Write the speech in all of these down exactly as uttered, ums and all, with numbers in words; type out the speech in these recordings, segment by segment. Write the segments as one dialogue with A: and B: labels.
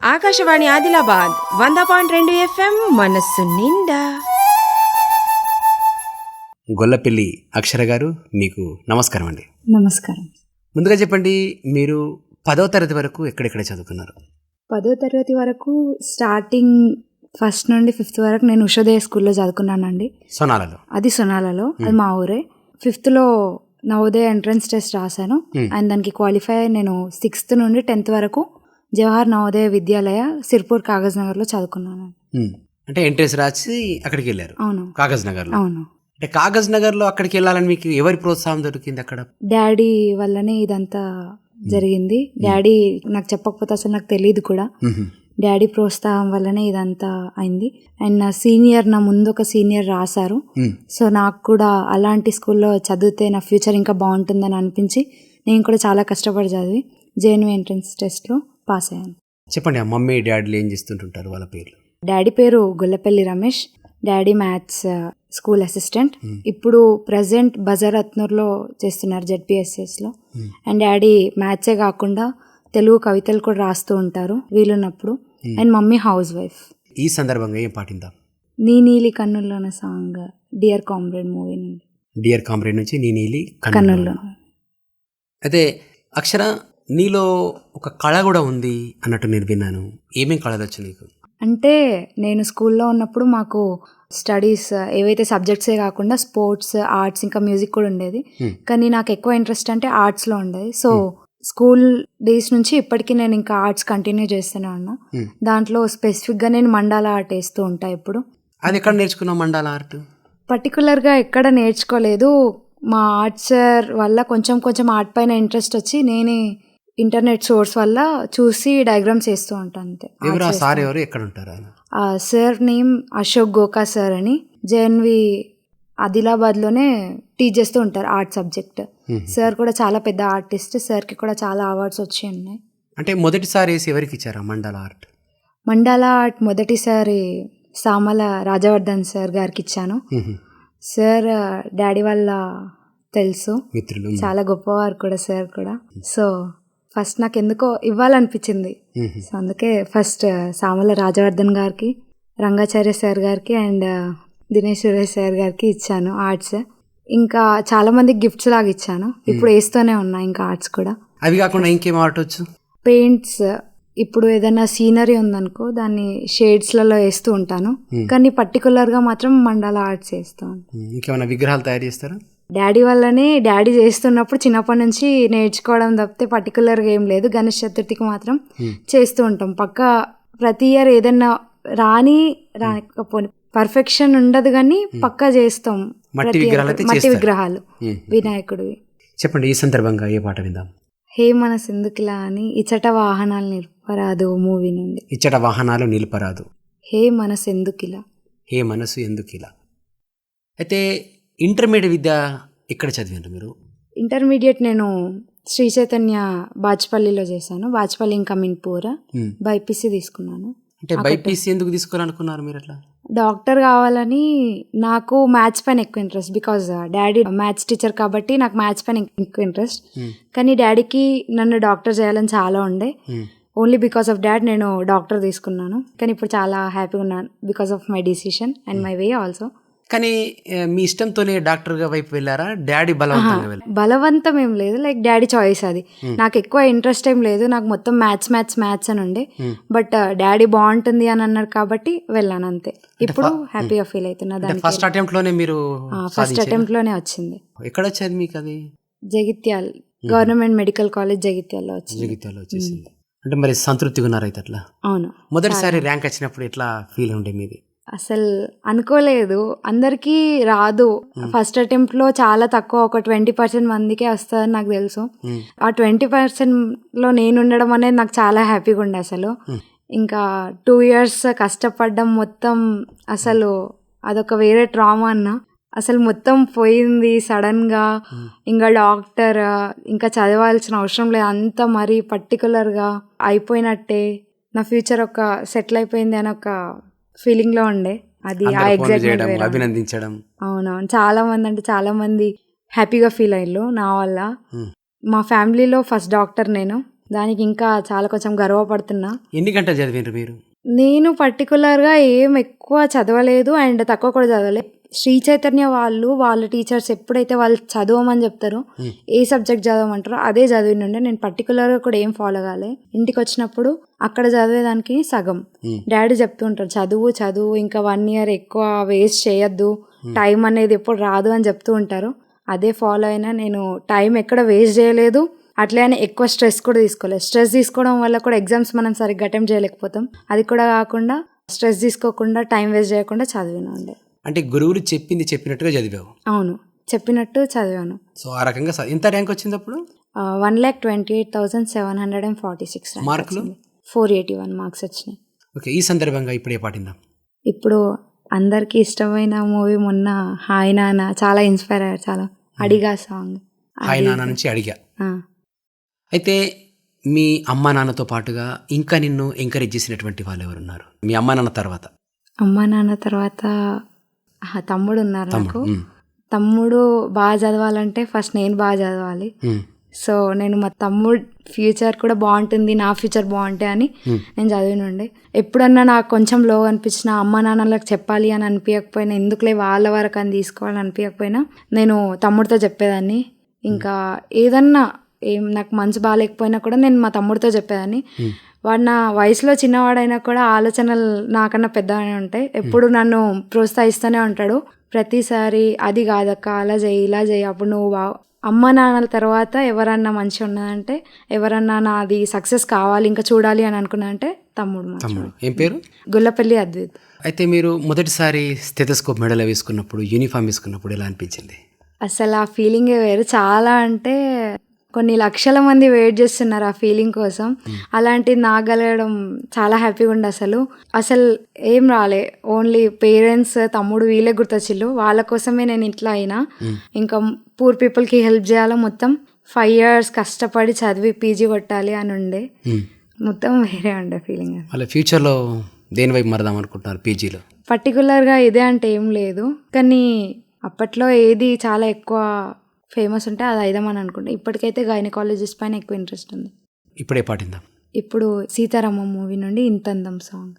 A: ఆకాశవాణి ఆదిలాబాద్ వంద పాయింట్ రెండు ఎఫ్ఎం మనస్సు నిండా.
B: గొల్లపల్లి అక్షర గారు, మీకు నమస్కారం అండి.
C: నమస్కారం.
B: ముందుగా చెప్పండి, మీరు పదో తరగతి వరకు ఎక్కడెక్కడ చదువుకున్నారు?
C: పదో తరగతి వరకు స్టార్టింగ్ ఫస్ట్ నుండి ఫిఫ్త్ వరకు నేను ఉషోదయ స్కూల్లో చదువుకున్నానండి.
B: సోనాలలో?
C: అది సొనాలలో, అది మా ఊరే. ఫిఫ్త్లో నవోదయ ఎంట్రన్స్ టెస్ట్ రాశాను అండ్ దానికి క్వాలిఫై అయ్యి నేను సిక్స్త్ నుండి టెన్త్ వరకు జవహర్ నవోదయ విద్యాలయ సిర్పూర్ కాగజ్ నగర్లో చదువుకున్నాను.
B: అంటే ఎంట్రన్స్ రాసి అక్కడికి వెళ్ళారు?
C: అవును.
B: కాగజ్ నగర్?
C: అవును.
B: అంటే కాగజ్ నగర్లో అక్కడికి వెళ్ళాలని మీకు ఎవరి ప్రోత్సాహం దొరికింది అక్కడ?
C: డాడీ వల్లనే ఇదంతా జరిగింది. డాడీ నాకు చెప్పకపోతే అసలు నాకు తెలియదు కూడా. డాడీ ప్రోత్సాహం వల్లనే ఇదంతా అయింది. అండ్ నా సీనియర్, నా ముందు ఒక సీనియర్ రాశారు. సో నాకు కూడా అలాంటి స్కూల్లో చదివితే నా ఫ్యూచర్ ఇంకా బాగుంటుందని అనిపించి నేను కూడా చాలా కష్టపడి చదివి జేఎన్వి ఎంట్రన్స్ టెస్ట్లో పాస్ అయ్యాను.
B: చెప్పండి, ఆ మమ్మీ డాడీలు ఏం చేస్తుంటుంటారు, వాళ్ళ పేర్లు?
C: డాడీ పేరు Gollapalli Ramesh. Daddy maths school assistant. ఇప్పుడు ప్రజెంట్ బజారత్నూర్లో చేస్తున్నారు జెడ్పిఎస్ఎస్లో. అండ్ డాడీ మ్యాథ్సే కాకుండా తెలుగు కవితలు కూడా రాస్తూ ఉంటారు వీలున్నప్పుడు. And mummy housewife.
B: ఈ సందర్భంగా ఏం పాటిందాం?
C: నీ నీలి కన్నుల్లోన సాంగ్ డియర్ కామ్రేడ్ మూవీ నుండి.
B: డియర్ కామ్రేడ్ నుంచి నీ నీలి
C: కన్నుల్లో.
B: అయితే అక్షర, నీలో ఒక కళ కూడా ఉంది అన్నట్టు నేను విన్నాను. ఏమేం కళలు వచ్చు నీకు?
C: అంటే నేను స్కూల్లో ఉన్నప్పుడు మాకు స్టడీస్ ఏవైతే సబ్జెక్ట్సే కాకుండా స్పోర్ట్స్, ఆర్ట్స్, ఇంకా మ్యూజిక్ కూడా ఉండేది. కానీ నాకు ఎక్కువ ఇంట్రెస్ట్ అంటే ఆర్ట్స్లో ఉండేది. సో స్కూల్ డేస్ నుంచి ఇప్పటికీ నేను ఇంకా ఆర్ట్స్ కంటిన్యూ చేస్తూనే ఉన్నా. దాంట్లో స్పెసిఫిక్గా నేను మండాల ఆర్ట్ వేస్తూ ఉంటా ఇప్పుడు.
B: అది ఎక్కడ నేర్చుకున్నావు మండాల ఆర్ట్?
C: పర్టికులర్గా ఎక్కడ నేర్చుకోలేదు. మా ఆర్ట్ సార్ వల్ల కొంచెం కొంచెం ఆర్ట్ పైన ఇంట్రెస్ట్ వచ్చి నేనే ఇంటర్నెట్ సోర్స్ వల్ల చూసి డయాగ్రామ్స్ వేస్తూ ఉంటాను అంతే.
B: ఎవరు ఆ సార్? ఎవరు, ఎక్కడ ఉంటారు ఆయన?
C: ఆ sir name Ashok Goka sir అని జేఎన్వి ఆదిలాబాద్లోనే టీచ్ చేస్తూ ఉంటారు ఆర్ట్ సబ్జెక్ట్. సార్ కూడా చాలా పెద్ద ఆర్టిస్ట్. సార్కి కూడా చాలా అవార్డ్స్ వచ్చి ఉన్నాయి.
B: అంటే మొదటిసారి వేసి ఎవరికి ఇచ్చారా మండాల ఆర్ట్?
C: మండాల ఆర్ట్ మొదటిసారి సామల రాజవర్ధన్ సార్ గారికి ఇచ్చాను. సార్ డాడీ వాళ్ళ తెలుసు,
B: మిత్రులు,
C: చాలా గొప్పవారు కూడా సార్ కూడా. సో ఫస్ట్ నాకు ఎందుకో ఇవ్వాలనిపించింది. సో అందుకే ఫస్ట్ సామల రాజవర్ధన్ గారికి, రంగాచార్య సార్ గారికి అండ్ దినేష్ సురేష్ సార్ గారికి ఇచ్చాను ఆర్ట్స్. ఇంకా చాలా మందికి గిఫ్ట్స్ లాగా ఇచ్చాను. ఇప్పుడు వేస్తూనే ఉన్నా ఇంకా ఆర్ట్స్ కూడా.
B: అవి కాకుండా ఇంకేం ఆర్ట్ వచ్చు?
C: పెయింట్స్. ఇప్పుడు ఏదైనా సీనరీ ఉందనుకో దాన్ని షేడ్స్లలో వేస్తూ ఉంటాను. కానీ పర్టికులర్గా మాత్రం మండల ఆర్ట్స్ వేస్తూ ఉంటాను.
B: ఇంకేమైనా విగ్రహాలు తయారు చేస్తారా?
C: డాడీ వల్లనే, డాడీ చేస్తున్నప్పుడు చిన్నప్పటి నుంచి నేర్చుకోవడం తప్పితే పర్టికులర్గా ఏం లేదు. గణేష్ చతుర్థికి మాత్రం చేస్తూ ఉంటాం పక్క. ప్రతి ఇయర్ ఏదన్నా రాని రాకపోని పర్ఫెక్షన్ ఉండదు కానీ పక్కా చేస్తాం.
B: మట్టి
C: విగ్రహాలు వినాయకుడివి.
B: చెప్పండి, ఈ సందర్భంగా ఏ పాట విందాం?
C: హే మనసు ఎందుకులా అని ఇచ్చట వాహనాలు నిలుపరాదు మూవీ నుండి.
B: ఇచ్చట వాహనాలు నిలుపరాదు.
C: హే మనసు ఎందుకిలా.
B: హే మనసు ఎందుకిలా. అయితే ఇంటర్మీడియట్ విద్య ఎక్కడ చదివారు మీరు?
C: ఇంటర్మీడియట్ నేను శ్రీ చైతన్య బాచ్పల్లిలో చేశాను. బాచ్పల్లి ఇంకా మిన్పూర్. బైపీసీ తీసుకున్నాను.
B: అంటే బైపీసీ ఎందుకు తీసుకోవాలనుకున్నారు మీరు? అట్లా
C: డాక్టర్ కావాలని. నాకు మ్యాథ్స్ పైన ఎక్కువ interest. Because daddy maths teacher కాబట్టి నాకు మ్యాథ్స్ పైన ఎక్కువ ఇంట్రెస్ట్. కానీ డాడీకి నన్ను డాక్టర్ చేయాలని చాలా ఉండే. ఓన్లీ బికాస్ ఆఫ్ డాడ్ నేను డాక్టర్ తీసుకున్నాను. కానీ ఇప్పుడు చాలా హ్యాపీగా ఉన్నాను because of my decision and my way also.
B: కానీ మీ ఇష్టంతోనే డాక్టర్గా వైపు వెళ్ళారా? డాడీ బలవంతంగా వెళ్ళారా?
C: బలవంతం ఏం లేదు, లైక్ డాడీ చాయిస్ అది. నాకు ఎక్కువ ఇంట్రెస్ట్ ఏం లేదు. నాకు మొత్తం మ్యాథ్స్ మ్యాథ్స్ మ్యాథ్స్ అని ఉండే. బట్ డాడీ బాగుంటుంది అని అన్నారు కాబట్టి వెళ్ళాను అంతే. ఇప్పుడు హ్యాపీగా ఫీల్ అవుతున్నా. దానికి
B: ఫస్ట్ అటెంప్ట్ లోనే మీరు?
C: ఫస్ట్ అటెంప్ట్ లోనే వచ్చింది.
B: ఎక్కడ వచ్చేది మీకు అది?
C: జగిత్యాల గవర్నమెంట్ మెడికల్ కాలేజ్ జగిత్యాలలో వచ్చింది.
B: జగిత్యాల వచ్చేసింది. అంటే మరి సంతృప్తిగా ఉన్నారు అయితే అట్లా?
C: అవును.
B: మొదటిసారి ర్యాంక్ వచ్చినప్పుడు ఎట్లా ఫీల్ ఉండే మీది?
C: అసలు అనుకోలేదు. అందరికీ రాదు. ఫస్ట్ అటెంప్ట్ లో చాలా తక్కువ, ఒక ట్వంటీ పర్సెంట్ మందికే వస్తుందని నాకు తెలుసు. ఆ ట్వంటీ పర్సెంట్ లో నేను ఉండడం అనేది నాకు చాలా హ్యాపీగా ఉండే. అసలు ఇంకా టూ ఇయర్స్ కష్టపడ్డం మొత్తం అసలు అదొక వేరే ట్రామా అన్న. అసలు మొత్తం పోయింది సడన్ గా. ఇంకా డాక్టర్ ఇంకా చదవాల్సిన అవసరం లేదు, అంత మరీ పర్టికులర్ గా అయిపోయినట్టే. నా ఫ్యూచర్ ఒక సెటిల్ అయిపోయింది అని ఒక ఫీలింగ్ లో ఉండే. అది ఆ ఎగ్జైట్మెంట్
B: అభినందించడం.
C: అవునవును. చాలా మంది అంటే చాలా మంది హ్యాపీగా ఫీల్ అయ్యారు నా వల్ల. మా ఫ్యామిలీలో ఫస్ట్ డాక్టర్ నేను. దానికి ఇంకా చాలా కొంచెం గర్వపడుతున్నా.
B: ఎన్ని గంటలు చదివినారు మీరు?
C: నేను పర్టికులర్గా ఏం ఎక్కువ చదవలేదు అండ్ తక్కువ కూడా చదవలేదు. శ్రీ చైతన్య వాళ్ళు వాళ్ళ టీచర్స్ ఎప్పుడైతే వాళ్ళు చదవమని చెప్తారో, ఏ సబ్జెక్ట్ చదవమంటారో అదే చదివినుండే. నేను పర్టికులర్గా కూడా ఏం ఫాలో కాలే. ఇంటికి వచ్చినప్పుడు అక్కడ చదివేదానికి సగం డాడీ చెప్తూ ఉంటారు, చదువు చదువు ఇంకా వన్ ఇయర్ ఎక్కువ వేస్ట్ చేయొద్దు, టైం అనేది ఎప్పుడు రాదు అని చెప్తూ ఉంటారు. అదే ఫాలో అయినా నేను టైం ఎక్కడ వేస్ట్ చేయలేదు. అట్లే అని ఎక్కువ స్ట్రెస్ కూడా తీసుకోలేదు. స్ట్రెస్ తీసుకోవడం వల్ల కూడా ఎగ్జామ్స్ మనం సరిగ్గా అటెంప్ట్ చేయలేకపోతాం. అది కూడా కాకుండా స్ట్రెస్ తీసుకోకుండా టైం వేస్ట్ చేయకుండా చదివినా ఉండే.
B: అంటే గురువులు చెప్పింది చెప్పినట్టుగా చదివావు?
C: అవును, చెప్పినట్టు చదివాను.
B: సో ఆ రకంగా ఎంత ర్యాంక్ వచ్చింది అప్పుడు?
C: One lakh twenty eight thousand seven hundred and forty six
B: మార్కులు
C: ఫోర్ ఎయిటీ వన్ మార్క్స్ వచ్చినాయి.
B: ఓకే, ఈ సందర్భంగా ఇప్పుడు ఏ పాటిందాం?
C: ఇప్పుడు అందరికీ ఇష్టమైన మూవీ మొన్న హాయ్ నాన్న చాలా ఇన్స్పైర్ అయ్యారు. చాలా అడిగా సాంగ్
B: హాయ్ నాన్న నుంచి అడిగా. అయితే మీ అమ్మా నాన్నతో పాటుగా ఇంకా నిన్ను ఎంకరేజ్ చేసినటువంటి వాళ్ళు ఎవరున్నారు మీ అమ్మా నాన్న తర్వాత?
C: అమ్మా నాన్న తర్వాత తమ్ముడు ఉన్నారు నాకు. తమ్ముడు బాగా చదవాలంటే ఫస్ట్ నేను బాగా చదవాలి. సో నేను మా తమ్ముడు ఫ్యూచర్ కూడా బాగుంటుంది, నా ఫ్యూచర్ బాగుంటాయి అని నేను చదివినుండే. ఎప్పుడన్నా నాకు కొంచెం లో అనిపించిన అమ్మ నాన్నలకు చెప్పాలి అని అనిపించకపోయినా, ఎందుకులే వాళ్ళ వరకు అని తీసుకోవాలని అనిపించకపోయినా నేను తమ్ముడితో చెప్పేదాన్ని. ఇంకా ఏదన్నా ఏం నాకు మనసు బాగాలేకపోయినా కూడా నేను మా తమ్ముడితో చెప్పేదాన్ని. వాడు నా వయసులో చిన్నవాడైనా కూడా ఆలోచనలు నాకన్నా పెద్దగానే ఉంటాయి. ఎప్పుడు నన్ను ప్రోత్సహిస్తూనే ఉంటాడు ప్రతిసారి. అది కాదక్క, అలా చేయి ఇలా చేయి, అప్పుడు నువ్వు బా అమ్మ నాన్నల తర్వాత ఎవరన్నా మంచిగా ఉన్నదంటే, ఎవరన్నా నాది సక్సెస్ కావాలి ఇంకా చూడాలి అని అనుకున్నా అంటే తమ్ముడు.
B: తమ్ముడు ఏం పేరు?
C: గుల్లపల్లి అద్విత్.
B: అయితే మీరు మొదటిసారి స్టెథోస్కోప్ మెడల్ వేసుకున్నప్పుడు, యూనిఫామ్ వేసుకున్నప్పుడు ఎలా అనిపించింది?
C: అసలు ఆ ఫీలింగే వేరు. చాలా అంటే కొన్ని లక్షల మంది వెయిట్ చేస్తున్నారు ఆ ఫీలింగ్ కోసం. అలాంటిది నాగలగడం చాలా హ్యాపీగా ఉండే. అసలు అసలు ఏం రాలే, ఓన్లీ పేరెంట్స్ తమ్ముడు వీళ్ళే గుర్తొచ్చిళ్ళు. వాళ్ళ కోసమే నేను ఇట్లా అయినా. ఇంకా పూర్ పీపుల్కి హెల్ప్ చేయాలి. మొత్తం ఫైవ్ ఇయర్స్ కష్టపడి చదివి పీజీ కొట్టాలి అని ఉండే. మొత్తం వేరే ఉండే ఫీలింగ్.
B: వాళ్ళ ఫ్యూచర్లో దేని వైపు మరదాం అనుకుంటున్నారు పీజీలో?
C: పర్టికులర్గా ఇదే అంటే ఏం లేదు, కానీ అప్పట్లో ఏది చాలా ఎక్కువ ఫేమస్ ఉంటే అది అయిదామని అనుకుంటా. ఇప్పటికైతే గైనకాలజిస్ట్ పైన ఎక్కువ ఇంట్రెస్ట్ ఉంది.
B: ఇప్పుడే పాటిందాం.
C: ఇప్పుడు సీతారామం మూవీ నుండి ఇంతందం సాంగ్.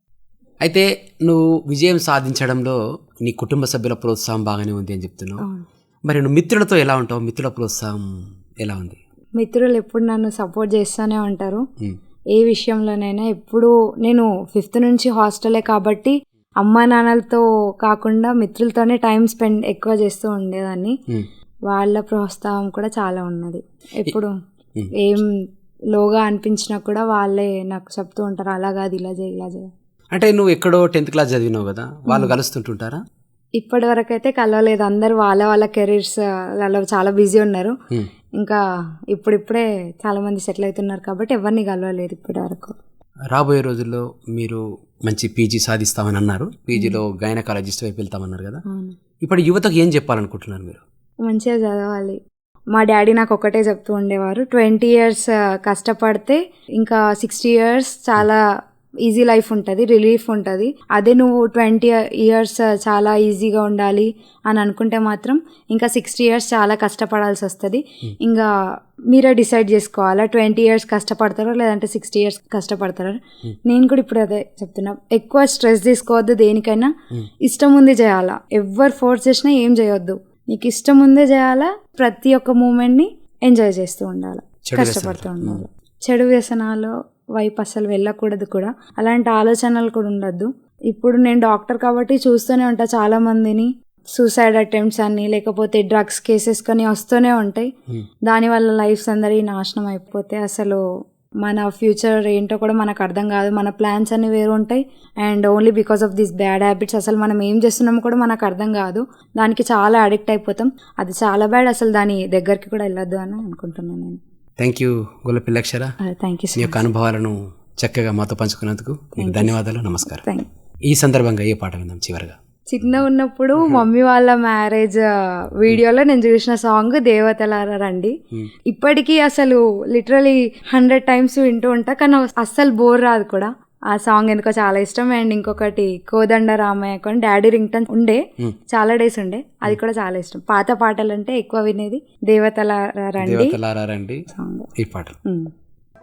B: అయితే నువ్వు విజయం సాధించడంలో నీ కుటుంబ సభ్యుల ప్రోత్సాహం బాగానే ఉంది అని చెప్తున్నావు. మరి నువ్వు మిత్రులతో ఎలా ఉంటావు? మిత్రుల ప్రోత్సాహం ఎలా ఉంది?
C: మిత్రులు ఎప్పుడు నన్ను సపోర్ట్ చేస్తూనే ఉంటారు ఏ విషయంలోనైనా. ఎప్పుడు నేను ఫిఫ్త్ నుంచి హాస్టలే కాబట్టి అమ్మా నాన్నలతో కాకుండా మిత్రులతోనే టైం స్పెండ్ ఎక్కువ చేస్తూ ఉండేదాన్ని. వాళ్ళ ప్రోత్సాహం కూడా చాలా ఉన్నది. ఎప్పుడు ఏం లోగా అనిపించినా కూడా వాళ్ళే నాకు చెప్తూ ఉంటారు, అలా కాదు ఇలా చేయి ఇలా చేయి.
B: అంటే నువ్వు ఎక్కడో టెన్త్ క్లాస్ చదివినావు కదా, వాళ్ళు కలుస్తుంటుంటారా?
C: ఇప్పటి వరకు అయితే కలవలేదు. అందరు వాళ్ళ వాళ్ళ కెరీర్స్ అలా చాలా బిజీ ఉన్నారు. ఇంకా ఇప్పుడిప్పుడే చాలా మంది సెటిల్ అవుతున్నారు కాబట్టి ఎవరిని కలవలేదు ఇప్పటి వరకు.
B: రాబోయే రోజుల్లో మీరు మంచి పీజీ సాధిస్తామని అన్నారు. పీజీలో గైనకాలజిస్ట్ వైపు వెళ్తామన్నారు కదా. ఇప్పుడు యువతకు ఏం చెప్పాలనుకుంటున్నారు మీరు?
C: మంచిగా చదవాలి. మా డాడీ నాకు ఒకటే చెప్తూ ఉండేవారు, ట్వంటీ ఇయర్స్ కష్టపడితే ఇంకా సిక్స్టీ ఇయర్స్ చాలా ఈజీ లైఫ్ ఉంటుంది, రిలీఫ్ ఉంటుంది. అదే నువ్వు ట్వంటీ ఇయర్స్ చాలా ఈజీగా ఉండాలి అని అనుకుంటే మాత్రం ఇంకా సిక్స్టీ ఇయర్స్ చాలా కష్టపడాల్సి వస్తుంది. ఇంకా మీరే డిసైడ్ చేసుకోవాలా ట్వంటీ ఇయర్స్ కష్టపడతారో లేదంటే సిక్స్టీ ఇయర్స్ కష్టపడతారో. నేను కూడా ఇప్పుడు అదే చెప్తున్నా, ఎక్కువ స్ట్రెస్ తీసుకోవద్దు. దేనికైనా ఇష్టం ఉంది చేయాలా. ఎవరు ఫోర్స్ చేసినా ఏం చేయొద్దు. నీకు ఇష్టం ఉందే చేయాలా. ప్రతి ఒక్క మూమెంట్ని ఎంజాయ్ చేస్తూ ఉండాలి, కష్టపడుతూ ఉండాలి. చెడు వ్యసనాలు వైపు అసలు వెళ్ళకూడదు కూడా. అలాంటి ఆలోచనలు కూడా ఉండద్దు. ఇప్పుడు నేను డాక్టర్ కాబట్టి చూస్తూనే ఉంటా చాలా మందిని సూసైడ్ అటెంప్ట్స్ అని లేకపోతే డ్రగ్స్ కేసెస్ కానీ వస్తూనే ఉంటాయి. దానివల్ల లైఫ్స్ అందరి నాశనం అయిపోతే అసలు మన ఫ్యూచర్ ఏంటో కూడా మనకు అర్థం కాదు. మన ప్లాన్స్ అన్ని వేరు ఉంటాయి. And only because of this bad habits అసలు మనం ఏం చేస్తున్నామో కూడా మనకు అర్థం కాదు. దానికి చాలా అడిక్ట్ అయిపోతాం. అది చాలా బ్యాడ్. అసలు దాని దగ్గరికి కూడా వెళ్ళొద్దు అని అనుకుంటున్నాను నేను.
B: Thank you Gullapalli Akshara.
C: Thank you.
B: మీ యొక్క అనుభవాలను చక్కగా మాతో పంచుకున్నందుకు ధన్యవాదాలు. నమస్కారం. ఈ సందర్భంగా ఏ పాట విందాం చివరిగా?
C: చిన్న ఉన్నప్పుడు మమ్మీ వాళ్ళ మ్యారేజ్ వీడియోలో నేను చూసిన సాంగ్ దేవతలారా రండి. ఇప్పటికీ అసలు లిటరలీ హండ్రెడ్ టైమ్స్ వింటూ ఉంటా, కానీ అస్సలు బోర్ రాదు కూడా. ఆ సాంగ్ ఎందుకో చాలా ఇష్టం. అండ్ ఇంకొకటి కోదండ రామయ్య కొని డాడీ రింగ్ టన్ ఉండే, చాలా డేస్ ఉండే, అది కూడా చాలా ఇష్టం. పాత పాటలు అంటే ఎక్కువ వినేది దేవతలారా రండి
B: రండి సాంగ్. ఈ పాట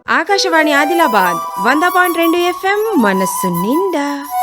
A: ఆకాశవాణి ఆదిలాబాద్ వంద పాయింట్ రెండు ఎఫ్ఎం మనస్సు నిండా.